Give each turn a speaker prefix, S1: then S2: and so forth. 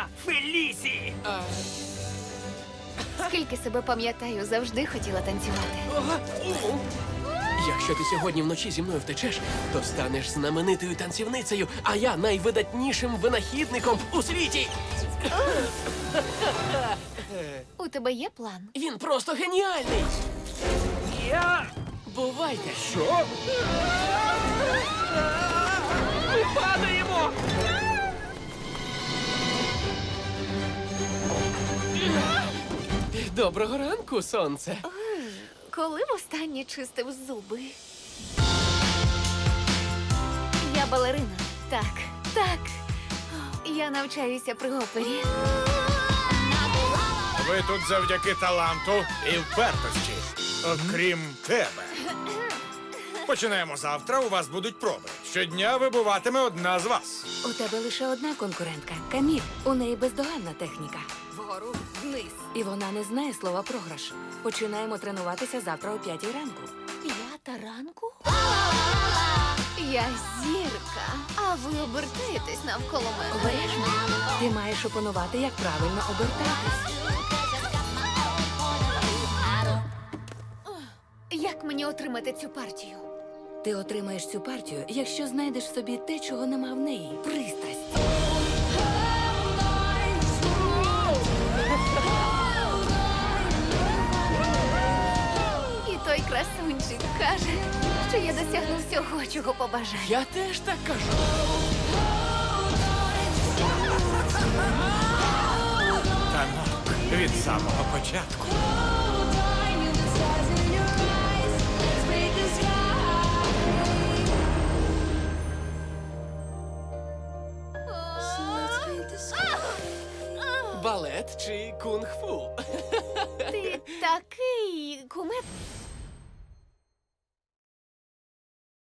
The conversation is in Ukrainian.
S1: я Фелісі!
S2: Скільки себе пам'ятаю, завжди хотіла танцювати.
S3: Якщо ти сьогодні вночі зі мною втечеш, то станеш знаменитою танцівницею, а я найвидатнішим винахідником у світі.
S2: У тебе є план?
S3: Він просто геніальний.
S1: Я...
S3: Бувайте.
S1: Що? Ми падаємо!
S3: Доброго ранку, сонце.
S2: Коли востаннє чистив зуби? Я балерина. Так, так. Я навчаюся при опері.
S4: Ви тут завдяки таланту і впертості. Окрім тебе. Починаємо завтра, у вас будуть проби. Щодня вибуватиме одна з вас.
S5: У тебе лише одна конкурентка – Каміль. У неї бездоганна техніка.
S2: Вгору, вниз.
S5: І вона не знає слова програш. Починаємо тренуватися завтра о 5 ранку.
S2: 5 ранку? Я зірка, а ви обертаєтесь навколо мене.
S5: Обережно. Ти маєш опанувати, як правильно обертатись.
S2: Як мені отримати цю партію?
S5: Ти отримаєш цю партію, якщо знайдеш в собі те, чого нема в неї. Пристрасть.
S2: І той красунчик каже, що я досягну всього, чого побажаю.
S3: Я теж так кажу.
S4: Танок від самого початку.
S3: Балет чи кунг-фу?
S2: Ти такий кумедний.